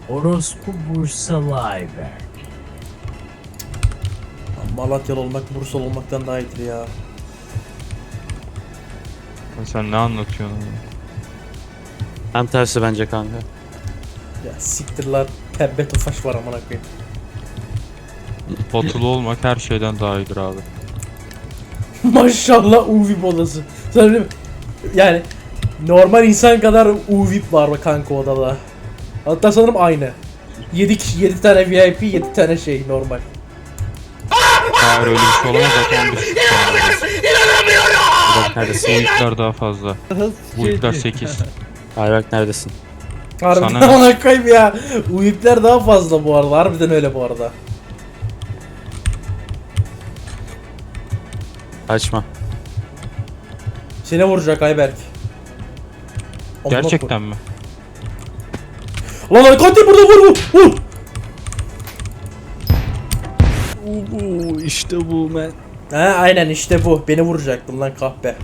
Orospu Bursalı Ayberk. Malatyalı olmak Bursalı olmaktan daha iyidir ya. Sen ne anlatıyorsun oğlum? Tam tersi bence kanka. Ya siktir lan. Pembe tofaş var amına koyayım. Batılı olmak her şeyden daha iyidir abi. Maşallah UVIP odası. Sen öyle mi? Yani normal insan kadar UVIP var bak kanka odada. Hatta sanırım aynı. 7 kişi, 7 tane VIP, 7 tane şey normal. Hayır öyle bir şey olamaz zaten 15 kişi var. Ayberk neredesin? Bu ipler daha fazla. Bu ipler 8. Ayberk neredesin? Harbiden Sana ne? amına koyayım ya. UVIP'ler daha fazla bu arada. Harbiden öyle bu arada. Açma. Seni vuracak Ayberk. Amına Gerçekten mi? koyayım. Lan katil burada vur. İşte bu men. He aynen işte bu. Beni vuracaktın lan kahpe.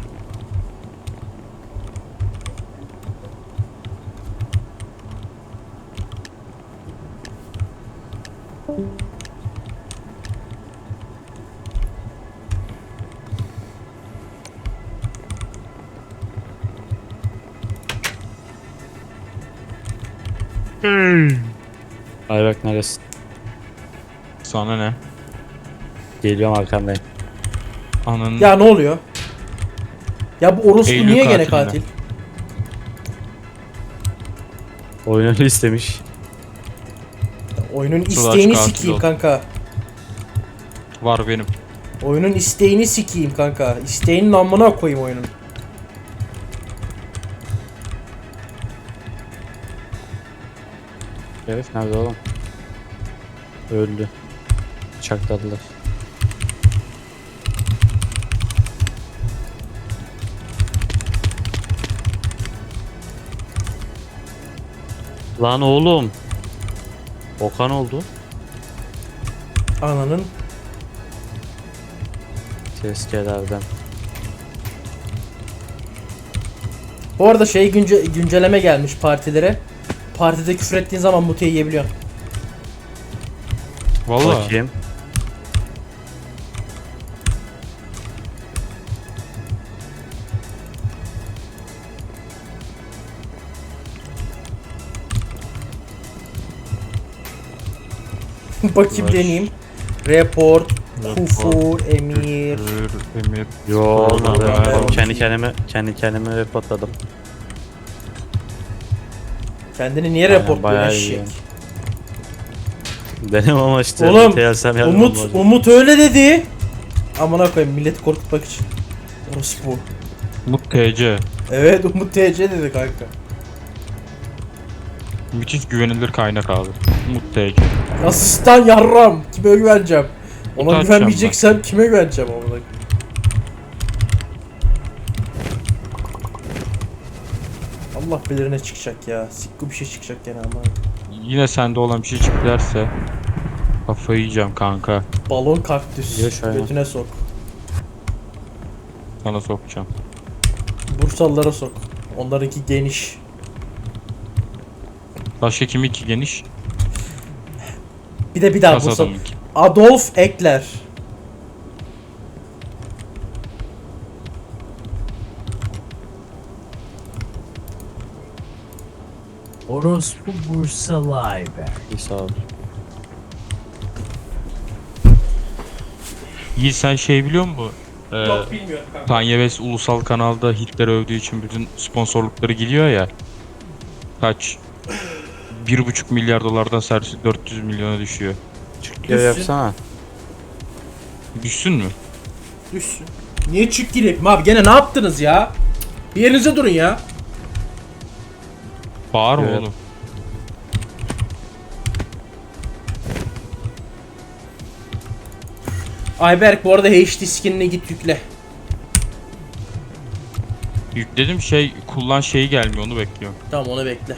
Ayberk neredesin? Sana ne? Geliyorum arkandayım. Ananın Ya ne oluyor? Ya bu orospu Eylül niye gene katilinde. katil? Oyunu istemiş. Oyunun Sılaç isteğini katil sikeyim oldu. kanka. var benim. Oyunun isteğini sikeyim kanka. İsteğinin amına koyayım oyunun. Herif nerede oğlum? Öldü. Bıçakladılar. Lan oğlum. Okan oldu. Ananın. Tezkelerden. Bu arada şey güncelleme gelmiş partilere. Partide küfür ettiğin zaman mute yiyebiliyorsun. Vallahi. Bakayım. Bakayım Var. deneyeyim. Report, Report, Kufur, Emir. Emir. Yo olmadı. Vallahi. Oğlum kendi kendime reportladım. Kendini niye Aynen, reportluyor bayağı eşek? iyi. Benim ama işte. Oğlum, TLSM yardım Umut olmadı. Umut öyle dedi. Amına koyayım milleti korkutmak için. Orospu. Mut TC. Evet Umut TC dedi kanka. Müthiş güvenilir kaynak abi. Mut TC. Asistan yarram. Kime güveneceğim? Ona Atacağım güvenmeyeceksem kime güveneceğim amına koyayım? Allah bilir ne çıkacak ya. Sikku bir şey çıkacak gene ama. Yine sende olan bir şey çıkarsa kafayı yiyeceğim kanka. Balon kaktüs. Yaş aynen. Götüne sok. Sana sokacağım. Bursalılara sok. Onlarınki geniş. Başka kimi ki geniş? Bir daha Bursa. Kasadamınki. Adolf Ekler. Orospu Bursalı Ayberk. İyi sağ ol. İyi sen şey biliyor musun? Yok bilmiyorum kanka. Kanye West ulusal kanalda Hitler'i övdüğü için bütün sponsorlukları gidiyor ya. Kaç? 1,5 milyar dolardan servis 400 milyona düşüyor. Ya yapsana. Düşsün mü? Düşsün. Niye çık gireyim abi gene ne yaptınız ya? Bir yerinize durun ya. Bağırma Evet. oğlum. Ayberk bu arada HD skinine git yükle. Yükledim şey kullan şeyi gelmiyor onu bekliyorum. Tamam onu bekle.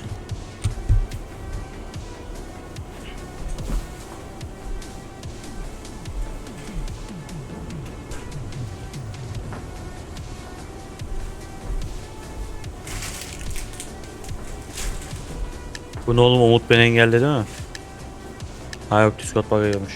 Bu ne oğlum, Umut beni engelledi mi? Ha yok, Discord bug'ıymış.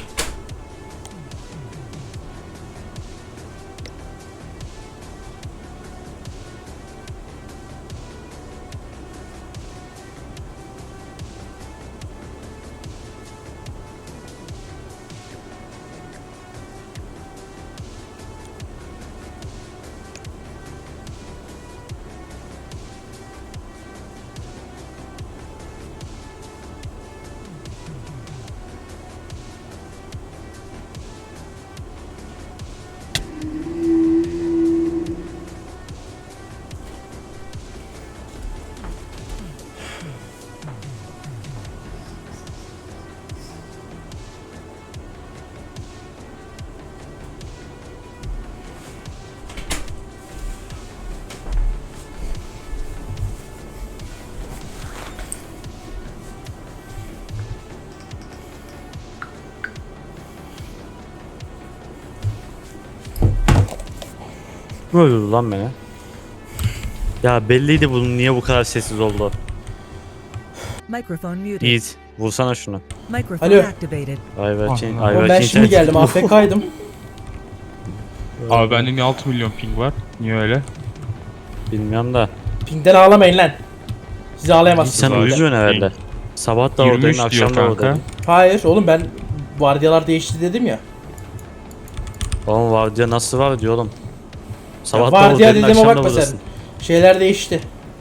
Kim öldürdü lan beni? Ya belliydi bunun niye bu kadar sessiz oldu. Microphone muted. Yiğit vursana şunu. Microphone Alo. activated. Ayberk'in Oğlum ben şimdi geldim, AFK'ydım. Abi bende niye 6 milyon ping var? Niye öyle? Bilmiyorum da. Pingden ağlamayın lan. Siz Sen ağlayamazsınız. zaten. uyuyorsun herhalde. Sabah da 23 oradayım, diyor akşam da kanka. oradayım. Hayır oğlum, ben vardiyalar değişti dedim ya. Oğlum vardiya nasıl var diyor oğlum. Sabah da Vardiya oradayım, dediğime akşam da bakma sen. buradasın. Şeyler değişti.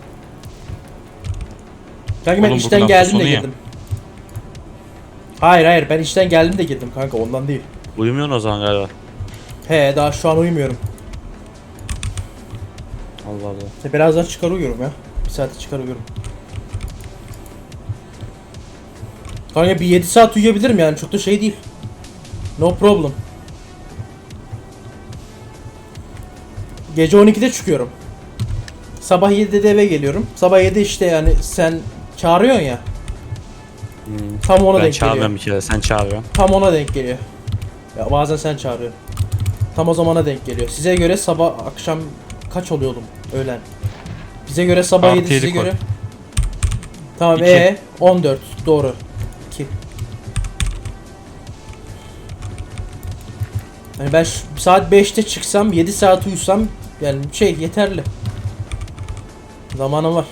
Kanka ben Oğlum, işten bugün hafta geldim de sonu ya. girdim. Hayır ben işten geldim de girdim kanka, ondan değil. Uyumuyorsun o zaman galiba. He, daha şu an uyumuyorum. Allah Allah. Birazdan çıkar uyuyorum ya. Bir saate çıkar uyuyorum. Kanka bir 7 saat uyuyabilirim yani, çok da şey değil. No problem. Gece 12'de çıkıyorum. Sabah 7'de de eve geliyorum. Sabah 7 işte, yani sen çağırıyorsun ya. Tam ona Ben denk çağırmıyorum geliyor. bir kere, sen çağırıyorsun. Tam ona denk geliyor. Ya bazen sen çağırıyorsun. Tam o zamana denk geliyor. Size göre sabah akşam kaç oluyor oğlum? Öğlen. Bize göre sabah Artı 7, size yedi koy. göre. Tamam, 2. 14 doğru. 2. Yani ben saat 5'te çıksam 7 saat uyusam yani şey yeterli. Zamanım var.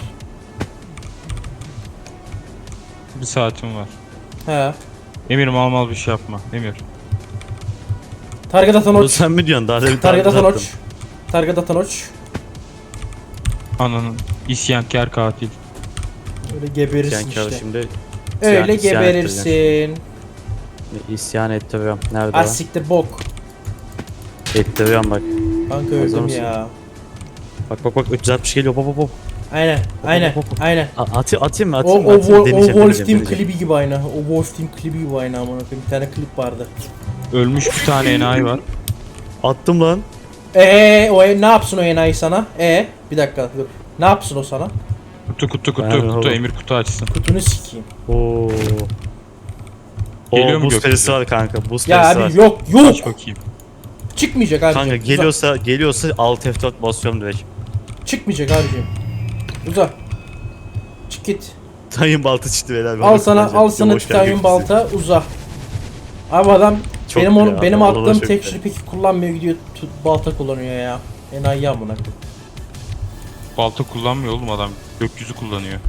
Bir saatim var. He. Emir mal bir şey yapma. Emir. Target atan Bunu oç. sen mi diyorsun? Daha da bir Target atan attım. oç. Target atan oç. Ananın isyankar katil. Öyle geberirsin İsyan kârı işte. şimdi. Öyle isyan geberirsin. İsyan ettiriyorum. Nerede Ah o? siktir bok. Ettiriyorum bak. Kanka Hazır öldüm mısın? ya. Bak 360 geliyor. Hop hop hop. Aynen aynen aynen. Atayım mı? O, Atayım mı? o, Atayım. o Deneyeceğim, Wolf Team deneyeceğim. klibi gibi aynı. O Wolf Team klibi gibi aynı amına koyayım. Bir tane klip vardı. Ölmüş bir tane enayi var. Attım lan. Ne yapsın o enayi sana? Bir dakika dur. Ne yapsın o sana? Kutu Ben oğlum. Emir kutu açsın. Kutunu sikeyim. Oo. Geliyor mu Buz gökyüzü? perisi var kanka. Buz Ya perisi var. abi yok Aç bakayım. Çıkmayacak abicim. Kanka Uza. geliyorsa alt F4 basıyorum direkt. Çıkmayacak abicim. Uza. Çık git. Titanium balta çıktı beyler. Al sana titanium balta, uza. Abi adam Çok benim ya, benim Allah attığım çok tekstürü ya. peki kullanmıyor, gidiyor balta kullanıyor ya. Enayi amına koyayım. Balta kullanmıyor oğlum adam. Gökyüzü kullanıyor.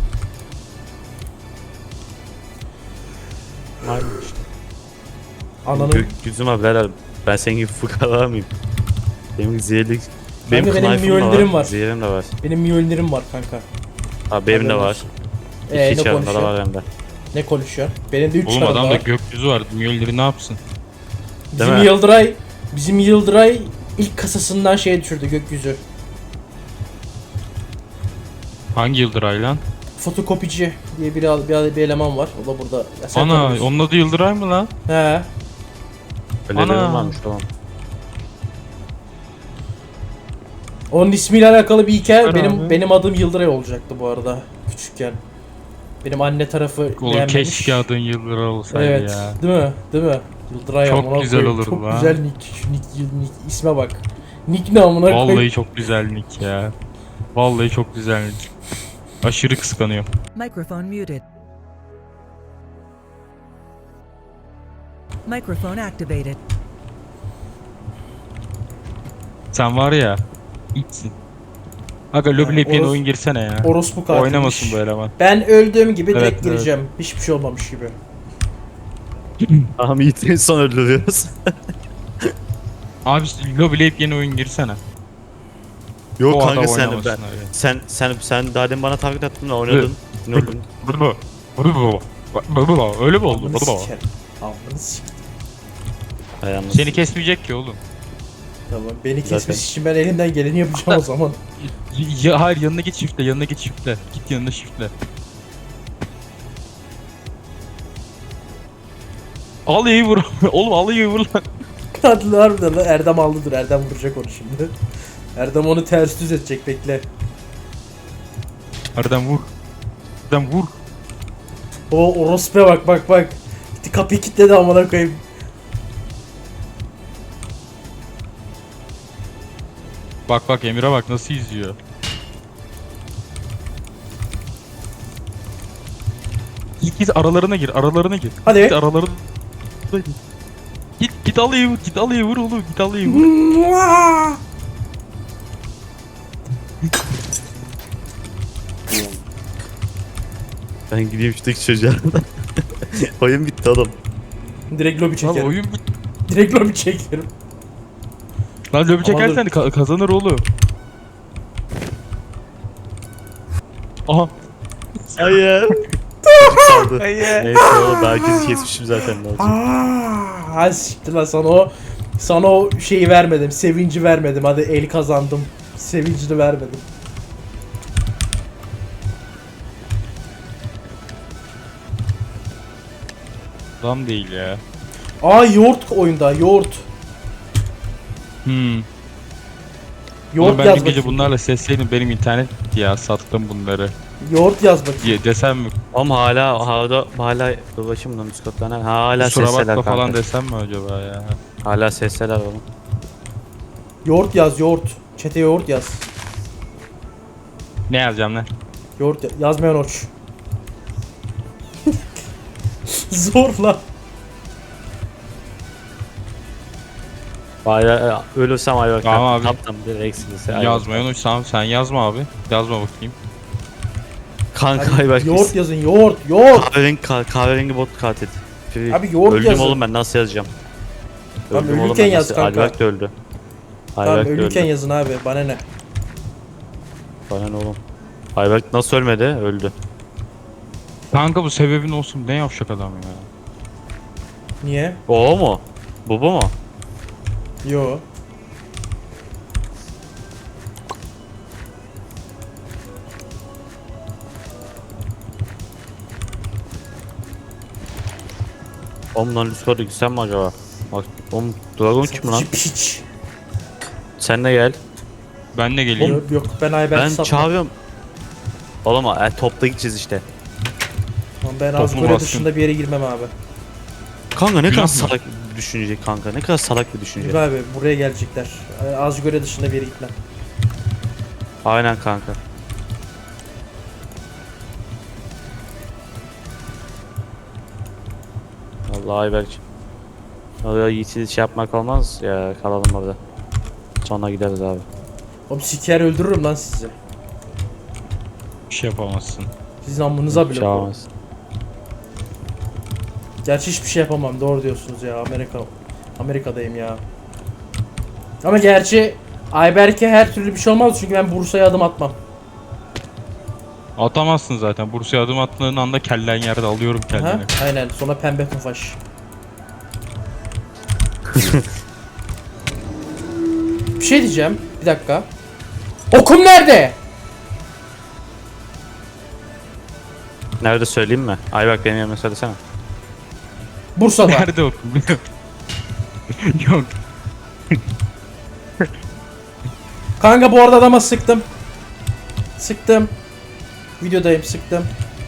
Ananın. Gökyüzüm var beyler. Ben senin gibi fukara mıyım? Benim zehirlik... Benim benim knife'ım da Mjolnir'im var. Zehirim de var. Benim Mjolnir'im var kanka. Abi benim de Haberin var. olsun. İki Ne çarında da konuşuyor? var hem de. Ne konuşuyor? Benim de 3 Oğlum çarım adamda var. gökyüzü var. Mjolnir'i ne yapsın? Bizim mi? Yıldıray ilk kasasından şey düşürdü, gökyüzü. Hangi Yıldıray lan? Fotokopici diye bir eleman var. O da burada. Ya sen Ana tanımıyorsun. onun adı Yıldıray mı lan? He. Öyle Ana. dedim varmış tamam. Onun ismiyle alakalı bir hikaye. Süper abi. Benim adım Yıldıray olacaktı bu arada küçükken. Benim anne tarafı Oğlum beğenmemiş. keşke adın Yıldıray olsaydı Evet. ya. Değil mi? Değil mi? Yıldıray Çok amına güzel koyayım. olurdu Çok lan. güzel nick. Şu nick isme bak. Nick ne amına koyayım? Vallahi çok güzel nick ya. Vallahi çok güzel nick. Aşırı kıskanıyorum. Microphone muted. Microphone activated. Sen var ya. İçsin. Aga lobi yeni oyun girsene ya. Orospu katilmiş. Oynamasın bu eleman. Ben öldüğüm gibi Evet, direkt evet. gireceğim. Hiçbir şey olmamış gibi. Tamam Yiğit'in son öldürüyoruz. Abi lobi yeni oyun girsene. Yok O kanka adam sen oynamasın ben, öyle. sen daha demin bana taklit attın da oynadın. Ne oldun? Öyle mi oldu? Amını sikerim. Amını sikerim. Hay anasını. Seni kesmeyecek ki oğlum. Tamam beni Zaten. kesmesi için ben elimden geleni yapacağım o zaman. Hayır yanına git shift'le, yanına git shift'le. Git yanına shift'le. Al iyi vur. Oğlum al iyi vur lan. Katil harbiden lan Erdem aldıdır. Erdem vuracak onu şimdi. Erdem onu ters düz edecek bekle. Erdem vur. Erdem vur. O orospuya bak. Gitti kapıyı kilitledi amına koyayım. Bak Emir'e bak nasıl izliyor. Git aralarına gir, aralarına gir. Hadi. Git aralarına gir. Git al iyi vur, git al iyi vur oğlum, git al iyi vur. Ben gideyim şuradaki çocuğa. Oyun bitti oğlum. Direkt lobi Lan çekerim. oyun Direkt lobi çekerim. Lan lobi çekersen kazanır oğlum. Aha. Hayır. Çocuk saldı. Neyse oğlum herkesi kesmişim zaten ne olacak. Hadi siktir lan sana o şeyi vermedim. Sevinci vermedim. Hadi el kazandım. Sevincini vermedim. Lan değil ya. Yoğurt oyunda yoğurt. Oğlum Yoğurt ben yaz bir gece bakayım. bunlarla sesleydim benim internet ya sattım bunları. Yoğurt yaz bakayım. Diye desem mi? Oğlum hala dur bakayım lan Discord'dan hala Kusura sesler bakma kanka. falan desem mi acaba ya? Hala sesler oğlum. Yoğurt yaz yoğurt. Çete yoğurt yaz. Ne yazacağım lan? Yazmayan oç. Zorla. Hala ölürsem Ayberk. Tamam abi. Yaptım bir eksilirse. Yazmayın o tamam sen yazma abi. Yazma bakayım. Kanka Hadi Ayberk. yoğurt yazın yoğurt. Kahverengi bot katil. Abi yoğurt Öldüm yazın. oğlum ben nasıl yazacağım? Tamam, Öldüm oğlum ölürken ben yaz nasıl- kanka. Ayberk de öldü. Tamam Ayberk de ölürken öldü. yazın abi. Bana ne? Bana ne oğlum? Ayberk nasıl ölmedi? Öldü. Kanka bu sebebin olsun ne yavşak adam ya. Niye? O mu? Bu mu? Yo. Oğlum lan Discord'a gitsem mi acaba? Bak oğlum Dragon kim lan? Satıcı piç. Sen de gel. Ben de geleyim. Yok ben Ayberk'i Ben satmam. çağırıyorum. Oğlum topla gideceğiz işte. Tamam, ben Toplum Azgore baskın. dışında bir yere girmem abi. Kanka ne Günah kadar mı? salak bir düşünce kanka. Ne kadar salak bir düşünce. Yürü abi buraya gelecekler. Azgore dışında bir yere gitmem. Aynen kanka. Vallahi Ayberk. Vallahi Yiğit'i şey yapmak olmaz ya kalalım orada. Sonra gideriz abi. Oğlum siker öldürürüm lan sizi. Bir şey yapamazsın. Sizin amınıza bile. Şey olmaz. Gerçi hiçbir şey yapamam. Doğru diyorsunuz ya. Amerika'dayım ya. Ama gerçi Ayberk'e her türlü bir şey olmaz çünkü ben Bursa'ya adım atmam. Atamazsın zaten. Bursa'ya adım attığın anda kellen yerde alıyorum Ha? kendini. Aynen. Sonra pembe tofaş. Bir şey diyeceğim. Bir dakika. Okum nerede? Nerede söyleyeyim mi? Ayberk benim yerime söylesene. Bursa'da. Nerede okul? Yok. Kanka bu arada adama sıktım. Sıktım. Videodayım sıktım.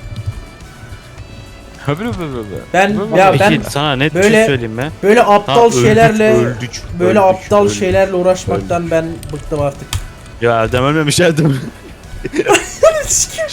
Ben ya Peki ben sana net bir böyle- şey söyleyeyim mi? böyle aptal öldük, şeylerle öldük, aptal öldük. şeylerle uğraşmaktan ben bıktım artık. Ya Erdem ölmemiş Erdem. Sikim.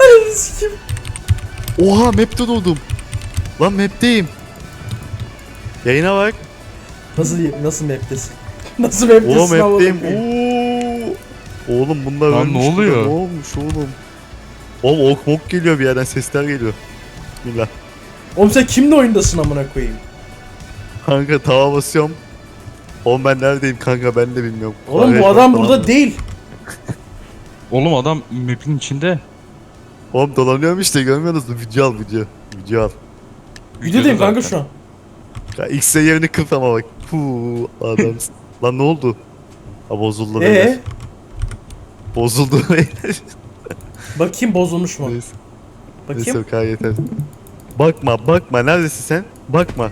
Sikim. Oha map'te doğdum. Lan map'teyim. Yayına bak. Nasıl map'tesin? Nasıl map'tesin? Oğlum amına hepteyim. koyayım? Oğlum bunlar Lan ölmüş. ne oluyor? Ne olmuş oğlum? Oğlum ok mok geliyor bir yerden, sesler geliyor. Bismillah. Oğlum sen kimle oyundasın amına koyayım? Kanka tava basıyorum. Oğlum ben neredeyim kanka, ben de bilmiyorum. Oğlum bu Kahve adam falan burada mı? değil. Oğlum adam map'in içinde. Oğlum dolanıyorum işte, görmüyorsunuz mu? Video al video. Video al. Videodayım kanka zaten. şu an. Ya X'e yerini kırt ama bak. Puu adam. Lan ne oldu? Ha bozuldu beyler. Bozuldu beyler. Bakayım bozulmuş mu? Neyse. Neyse Bakayım. o kadar yeter. Bakma neredesin sen? Bakma.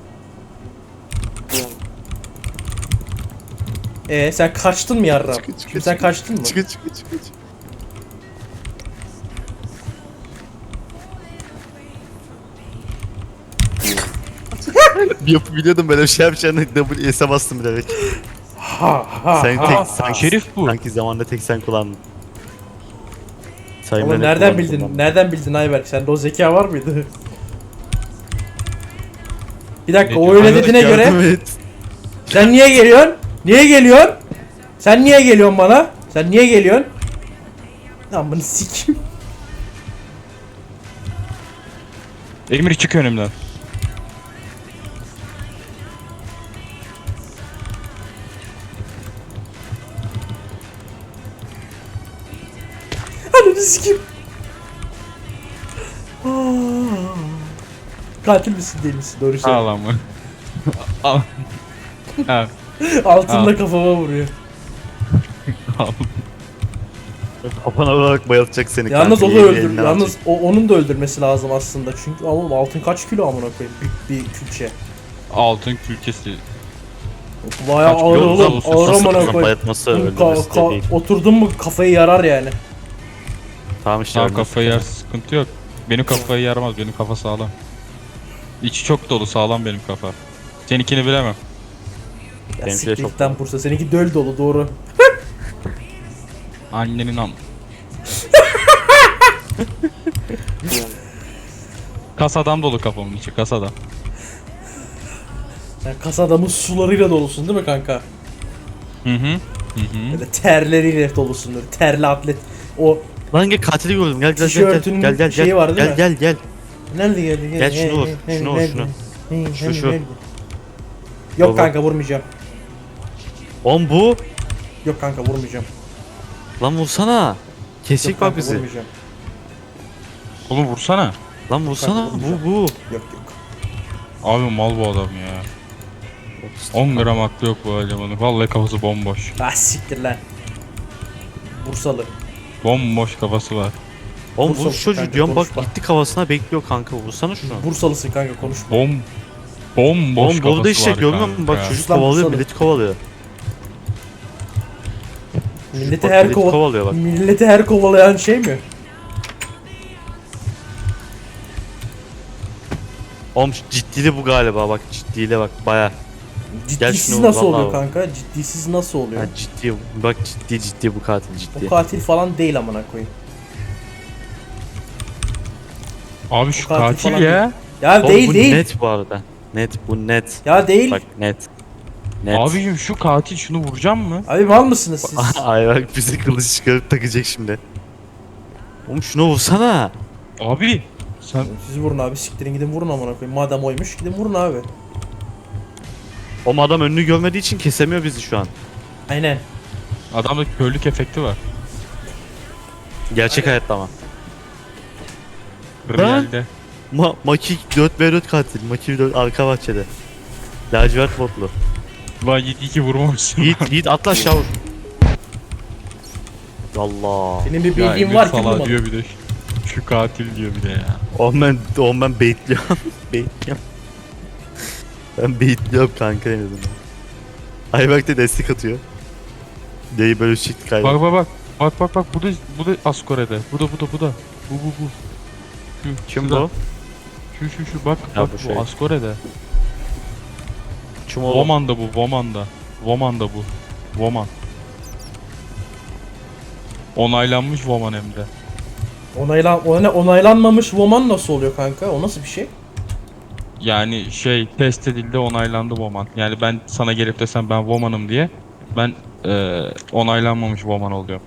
Sen kaçtın mı yarram? Çıkı, çıkı, Şimdi sen çıkı. kaçtın mı? Çıkı. Biliyordum böyle bir şey yapacağını, WS'e bastım bilerek. Ha Sen ha. tek sanki, Şerif bu. sanki zamanda tek sen kullandın. Sayın Ama Mehmet nereden kullandı, bildin? kullandı. Nereden bildin Ayberk? Sende o zeka var mıydı? Bir dakika Ne o diyor? öyle Ayberk, dediğine yardım göre et. sen niye geliyorsun? Niye geliyorsun? Sen niye geliyorsun bana? Sen niye geliyorsun? Lan bunu sikim. Emir çık önümden. Ananı sikim. Katil misin değil misin? Doğru söyle. Ağlama. Al. Ha, Altında Al. kafama vuruyor. al. Kafana vurarak bayılacak seni. Yalnız kanka, o da yeğeni öldür. elinden Yalnız alacak. onun da öldürmesi lazım aslında. Çünkü ama altın kaç kilo amına koyayım? Büyük bir külçe. Altın külçesi. Bayağı Kaç ağır kilo oğlum. olsa Ağır Nasıl amına kızın koyayım. bayatması öldürmesi de değil. Oturdun mu kafayı yarar yani. Tamam işte. Sağ öldü. kafayı yer, sıkıntı yok. Benim kafayı yaramaz, benim kafa sağlam. İçi çok dolu, sağlam benim kafa. Seninkini bilemem. Ya Benimki de çok siktikten Bursa. Seninki döl dolu doğru. Annenin am... Kasadan dolu kafamın içi, kasadan. Sen kas adamın sularıyla dolusun değil mi kanka? Hı hı. Hı hı. Böyle terleriyle dolusun böyle. Terli atlet. O Lan gel, katili gördüm. Gel Tişörtünün gel gel şeyi gel. var değil mi? Gel. nerede geldi? Gel şunu vur, şunu vur, şunu. Şu. Yok Baba. kanka vurmayacağım. Oğlum bu. Yok kanka vurmayacağım. Lan vursana. Yok Kesecek kanka bak bizi. vurmayacağım. Oğlum vursana. Lan vursana. Kanka, Bu. Yok yok. Abi mal bu adam ya. 10 gram aklı yok bu elemanın. Vallahi kafası bomboş. Ah siktir lan. Bursalı. Bomboş kafası var. Oğlum Vursa bu çocuğu kanka, diyorum bak, konuşma. gitti kafasına bekliyor kanka, vursana şunu. Bursalısın kanka konuşma. Bomboş Oğlum kafası burada işte var görmüyor musun? Bak kanka. çocuk Lan kovalıyor, vursana. milleti kovalıyor. Milleti Bak, her milleti kovalıyor bak. Milleti her kovalayan şey mi? Oğlum ciddili bu galiba, bak ciddiliğe bak baya. Ciddisiz şunu nasıl vur, oluyor vallahi kanka? Ciddisiz nasıl oluyor? Ha, ciddi bak, ciddi bu katil O ciddi. katil falan değil amına koyayım. Abi şu O katil katil falan ya. Ya Oğlum değil bu değil. net bu arada. Net bu net. Ya değil. Bak net. Net. Abicim şu katil, şunu vuracağım mı? Abi mal mısınız siz? Ay bak, bizi kılıç çıkarıp takacak şimdi. Oğlum şunu vursana. Abi sen Siz vurun abi siktirin gidin vurun amına koyayım. Madem oymuş gidin vurun abi. O adam önünü görmediği için kesemiyor bizi şu an. Aynen. adamda körlük efekti var. Gerçek hayatta ama. Realde. Maki 4v4 katil. Maki 4 arka bahçede. Lacivert botlu. Lan 7-2 vurmamışsın. Yiğit atla aşağı vur. Allah. Benim bir Ya bildiğim Emir var ki salağı vurmadım. diyor bir de. Şu katil diyor bir de ya. Oğlum ben baitliyorum. Baitliyorum. Ben baitliyorum kanka en azından. Ayberk de destek atıyor. Deyi böyle çekti kaydı. Bak bu da Askore'de. Bu da. Bu. Şu, Kim şurada. bu? Şu bak Ya bak bu bu şey. Askore'de. Kim oğlum? Woman'da bu, Woman'da bu. Woman. Onaylanmış Woman hem de. Onaylanmamış woman nasıl oluyor kanka? O nasıl bir şey? Yani şey test edildi, onaylandı Woman. Yani ben sana gelip desem ben Woman'ım diye ben onaylanmamış Woman oluyorum.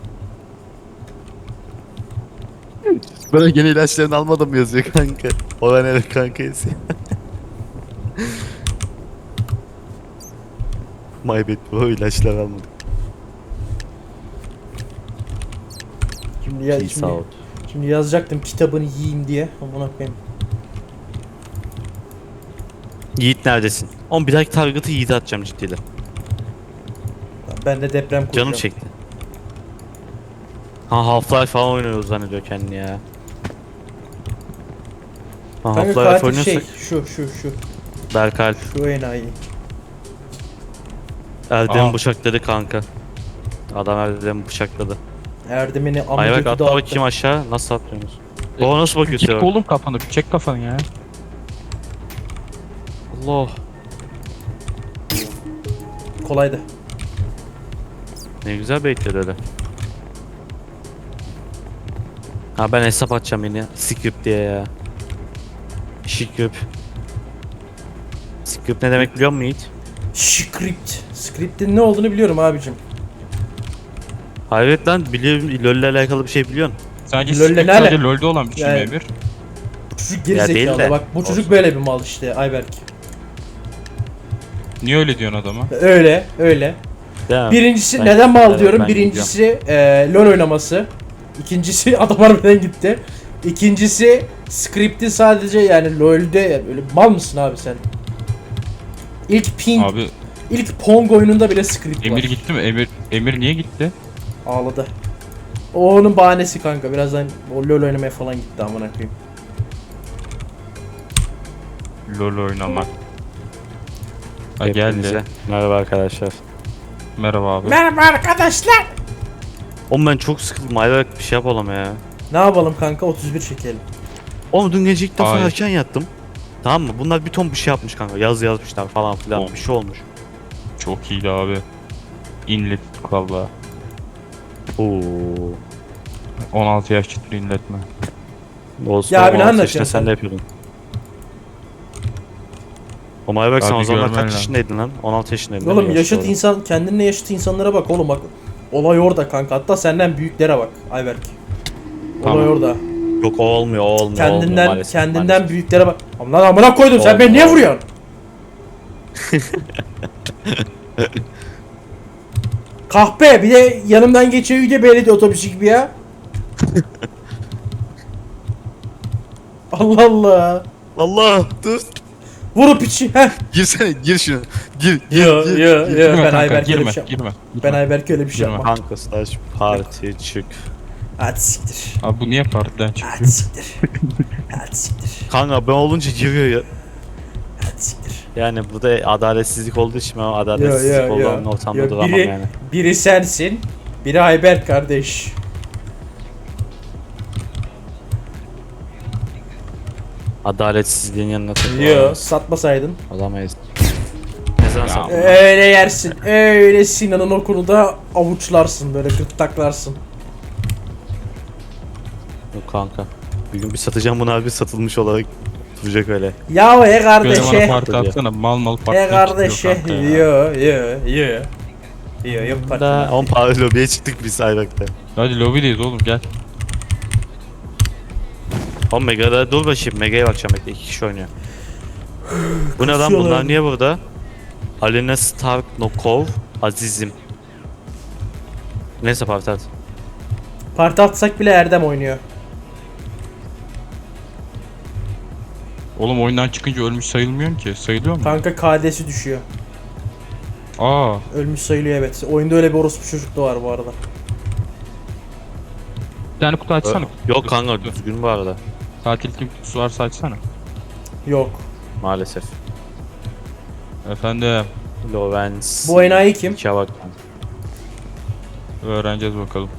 Böyle gene ilaçlarını almadım mı yazıyor kanka. O ben evet kanka yazıyor. My bad bro, ilaçlar almadım. Şimdi, ya, Peace out. şimdi yazacaktım kitabını yiyeyim diye. Amına koyayım. Yiğit neredesin? Oğlum bir dahaki target'ı Yiğit'e atacağım ciddiyle. Ben de deprem kuracağım. Canım çekti. Ha Half-Life falan oynuyoruz zannediyor kendini ya. Ha Kanka Half-Life katil oynuyorsak şey şu Berkal enayi. Erdem'i Aa. bıçakladı kanka. Adam Erdem'i bıçakladı. Erdemini Ay bak amcıkı atla dağıttı. bakayım aşağı, nasıl atlıyorsunuz? O nasıl bakıyor Çek Serap? oğlum kafanı, bir çek kafanı ya. Allah. Kolaydı. Ne güzel bekledi öyle. Ha ben hesap açacağım yine. Script diye ya. Script. Script ne demek biliyor musun Yiğit? Script'in ne olduğunu biliyorum abicim. Hayret lan, biliyorum, LoL'le alakalı bir şey biliyorsun. Sadece LoL'le script ne sadece ala- LoL'de olan bir şey Yani- mi Emir? Bu çocuk Ya değil gerizekalı. de. Bak bu çocuk Olsun. böyle bir mal işte Ayberk. Niye öyle diyorsun adama? Öyle. Değil mi? Birincisi Ben- neden mal evet, diyorum? ben Birincisi LoL oynaması. İkincisi adam harbiden gitti. İkincisi script'i sadece yani LoL'de öyle mal mısın abi sen? Abi İlk Pong oyununda bile script Emir var. gitti mi? Emir niye gitti? Ağladı. O onun bahanesi kanka. Birazdan o LoL oynamaya falan gitti amına koyayım. LoL oynamak. Ha Hepinize geldi. merhaba arkadaşlar. Merhaba abi. Merhaba arkadaşlar. Oğlum ben çok sıkıldım. Ayberk bir şey yapalım ya. Ne yapalım kanka? 31 çekelim. Oğlum dün gece ilk defa Ay. erken yattım. Tamam mı? Bunlar bir ton bir şey yapmış kanka. Yaz yazmışlar falan filan. Oğlum. Bir şey olmuş. Çok iyiydi abi. İnlettik valla. Oo. 16 yaş çıtır inletme. Olsun. Ya abi ne 16 anlatıyorsun yaşında sen? sen de yapıyordun. Oğlum Ayberk sen Abi o zamanlar görmen kaç lazım. yaşındaydın lan? 16 yaşındaydın değil Oğlum mi? yaşıt Doğru. insan, kendinle yaşıt insanlara bak oğlum bak. Olay orada kanka. Hatta senden büyüklere bak Ayberk. Olay Tamam. orada. Yok o olmuyor, o olmuyor. olmuyor Kendinden maalesef, kendinden maalesef. büyüklere bak. Lan amına koydum sen beni niye Olmuyor. vuruyorsun? Kahpe bir de yanımdan geçiyor yüce belediye otobüsü gibi ya. Allah Allah. Allah dur. Vurup içi. Heh. Girsene, gir şunu. Gir. Yo yo yo Girme ben kanka, Ayberk öyle girme, bir şey yapmam. girme. Ben Ayberk öyle bir şey Girme. yapmam. Kanka slash party çık. Hadi siktir. Abi bu niye partiden Hadi çıkıyor? siktir. Hadi siktir. Kanka ben olunca giriyor ya. Hadi siktir. Yani burada adaletsizlik olduğu için ben adaletsizlik olan ortamda Yo, duramam biri, yani. biri sensin. Biri Ayberk kardeş. Adaletsizliğin yanına Yo takılalım. satmasaydın. Olamayız. Ne zaman Ya. sattın? Öyle yersin. Öyle Sinan'ın okunu da avuçlarsın böyle gırttaklarsın. Yok kanka. Bir gün bir satacağım bunu abi, satılmış olarak duracak öyle. Ya he Böyle bana kardeşe. parti atsana, mal He partiden kardeşe. çıkıyor kanka ya. Yo yok Da partner. 10 para lobiye çıktık biz Ayberk'te. Hadi lobideyiz oğlum gel. Oğlum Mega'da dur bakayım, Mega'ya bakacağım, bekle 2 kişi oynuyor. Bu ne lan, Kasıyorlar. bunlar niye burada? Alena Stark Nokov Azizim. Neyse parti at. Parti atsak bile Erdem oynuyor. Oğlum oyundan çıkınca ölmüş sayılmıyorsun ki. Sayılıyor mu? Kanka KD'si düşüyor. Aa, Ölmüş sayılıyor evet. Oyunda öyle bir orospu çocuk da var bu arada. bir tane kutu açsana. Yok kanka düzgün bu arada. Tatil kim kutusu varsa açsana. Yok. Maalesef. Efendim, Lovens. Bu enayi kim? İkiye bak. öğreneceğiz bakalım.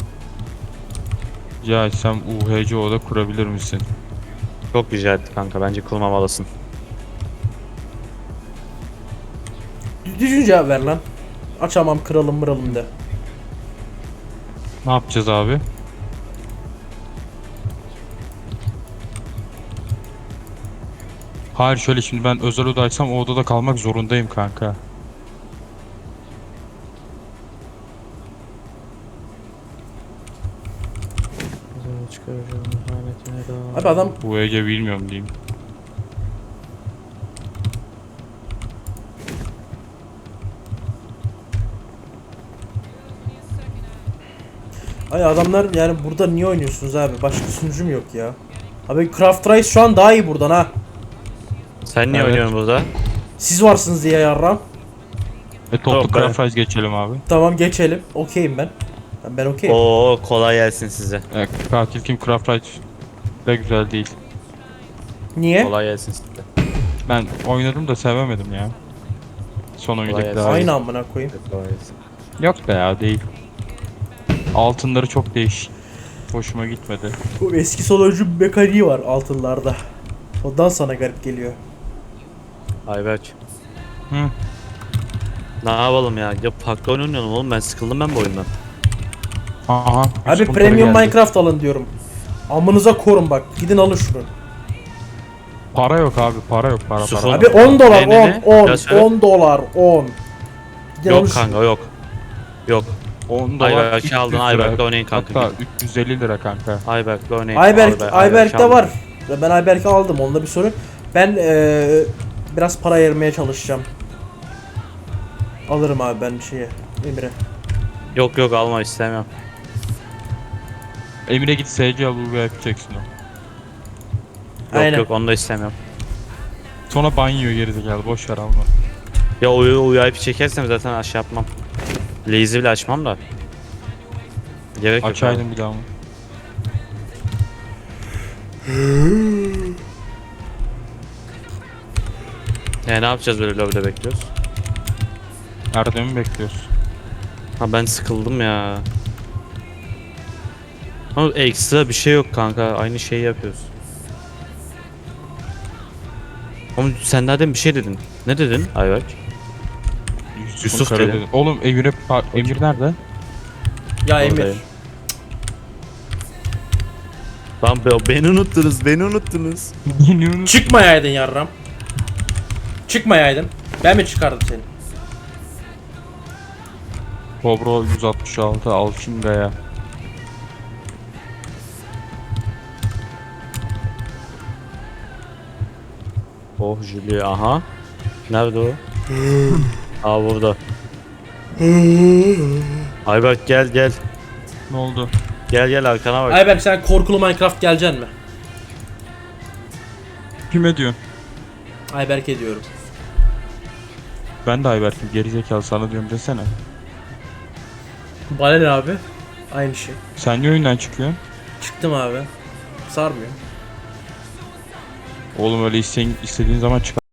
Ya sen UHC oda kurabilir misin? Çok rica etti kanka, bence kurmamalısın. Düzgün cevap ver lan. Açamam kralım mıralım de. Ne yapacağız abi? Hayır şöyle, şimdi ben özel odaysam o odada kalmak zorundayım kanka. Abi adam Bu Ege bilmiyorum diyeyim. Ay adamlar yani burada niye oynuyorsunuz abi? Başka sunucum yok ya. Abi Craft Rice şu an daha iyi buradan ha. Sen niye Evet. oynuyorsun burada? Siz varsınız diye yarram. Toplu Yok be. Craft Rice geçelim abi. Tamam geçelim. Okeyim ben. Ben okeyim. Oo kolay gelsin size. Katil kim Craft Rice de güzel değil. Niye? Kolay gelsin size. Ben oynadım da sevemedim ya. Son oyundaki gelsin. daha iyi. Aynı amına koyayım. Kolay gelsin. Yok be ya, değil. Altınları çok değişik. Hoşuma gitmedi. Bu eski sonucu mekaniği var altınlarda. Ondan sana garip geliyor. Ayberk. Hı. Ne yapalım ya? Ya farklı oyun oynayalım oğlum, ben sıkıldım ben bu oyundan. Aha. Abi Yusuf'un premium geldi. Minecraft alın diyorum. Amınıza korun bak. Gidin alın şunu. Para yok abi, para yok, para Yusuf para. Abi 10 dolar, Ne, ne, 10, 10, Biraz söyle. 10 dolar, 10. Gidin alın Yok şunu. kanka yok. Yok. 10 dolar. Ayberk'i 300 aldın, lira. Ayberk'le oynayın kanka. Hatta 350 lira kanka. Ayberk'le oynayın. Ayberk'te aldım. var. Ben Ayberk'i aldım. Onda bir sorun. Ben biraz para ayırmaya çalışacağım. Alırım abi ben şeye. Emre. Yok yok alma, istemiyorum. Emine git SC al, bu yapacaksın o. Yok Aynen. yok onu da istemiyorum. Sonra banyo gerizekalı, boş ver alma. Ya UIP çekersem zaten aşağı yapmam. Lazy bile açmam da. Gerek yok. abi. Açaydın bir daha mı? Ne yapacağız böyle lobide bekliyoruz? Erdem'i bekliyoruz. Ha ben sıkıldım ya. Ama ekstra bir şey yok kanka. Aynı şeyi yapıyoruz. Ama sen daha demin bir şey dedin. Ne dedin Ayberk? Yusuf Kara dedi. Oğlum Emir nerede? Ya Emir. Oradayım. Lan beni unuttunuz, beni unuttunuz. Çıkmayaydın yarram. Çıkmayaydın. Ben mi çıkardım seni? Kobra 166 Alçınga'ya. Oh Julie, aha. Nerede o? Aa burada. Ayberk gel gel. Ne oldu? Gel gel arkana bak. Ayberk sen korkulu Minecraft geleceksin mi? Kime diyorsun? Ayberk ediyorum. Ben de Ayberk'im, gerizekalı sana diyorum desene. Bana ne abi? Aynı şey. Sen niye oyundan çıkıyorsun? Çıktım abi. Sarmıyor. Oğlum öyle istediğin zaman çık.